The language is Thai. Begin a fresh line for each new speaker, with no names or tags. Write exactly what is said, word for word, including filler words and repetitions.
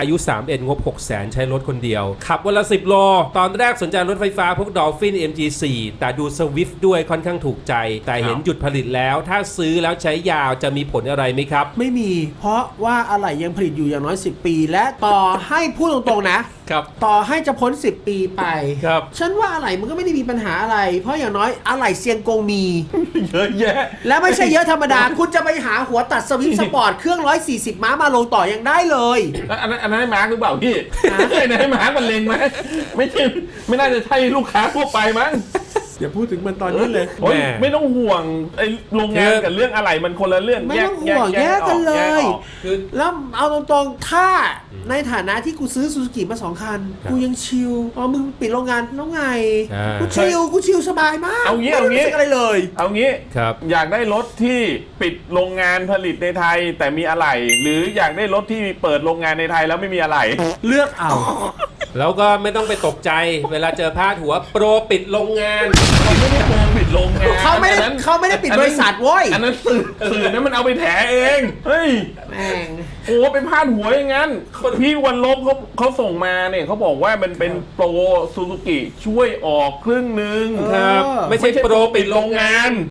อายุสามสิบเอ็ดงบ หกแสน ใช้รถคนเดียวขับวันละสิบโลตอนแรกสนใจรถไฟฟ้าพวก Dolphin เอ็ม จี โฟร์ แต่ดู Swift ด้วยค่อนข้างถูกใจแต่เห็นหยุดผลิตแล้วถ้าซื้อแล้วใช้ยาวจะมีผลอะไรไหมครับ
ไม่มีเพราะว่าอะไหล่ยังผลิตอยู่อย่างน้อยสิบปีและต่อให้พูดตรงๆนะครับต่อให้จะพ้นสิบปีไป
ครับ
ฉันว่าอะไหล่มันก็ไม่ได้มีปัญหาอะไรเพราะอย่างน้อยอะไหล่เซียงกงมี
เยอะแยะ
และไม่ใช่เยอะธรรมดาคุณจะไปหาหัวตัดสวิฟต์สปอร์ตเครื่องหนึ่งร้อยสี่สิบม้ามาลงต่อยังได้เลย
อันนั้นอันนั้นให้มาร์กหรือเปล่าพี่อันนั้นให้มาร์กมันเลงไหมไม่ใช่ไม่น่าจะใช่ลูกค้าทั่วไปมั้ง
อย่าพูดถึงมันตอนนี้เลย
ไม่ต้องห่วงไอ้โรงงานกับเรื่องอะไรมันคนละเรื่อง
ไม่ต้องห่วงแยกกันเลยแล้วเอาตรงๆถ้าในฐานะที่กูซื้อซูซูกิมาสองคันกูยังชิลอ๋อมึงปิดโรงงานแล้วไงกูชิลกูชิลสบายมาก
เอางี้เอางี้
อะไรเลย
เอางี้อยากได้รถที่ปิดโรงงานผลิตในไทยแต่มีอะไหล่หรืออยากได้รถที่เปิดโรงงานในไทยแล้วไม่มีอะไหล่
เลือกเอา
แล้วก็ไม่ต้องไปตกใจเวลาเจอพาดหัวโปรปิดโรงงาน
เขาไม่ได้โปรปิดโรงงาน
เขาไม่ได้เขาไม่ได้ปิดบริษัทเว้ย
อันนั้นสื่อสื่อนั้นมันเอาไปแถเองเฮ้ย
แม่ง
โอ้เป็นพาดหัวอย่างนั้นพี่วันลบเขาเขาส่งมาเนี่ยเขาบอกว่ามันเป็นโปรซูซูกิช่วยออกครึ่งนึง
ครับไม่ใช่โปรปิดโรงงาน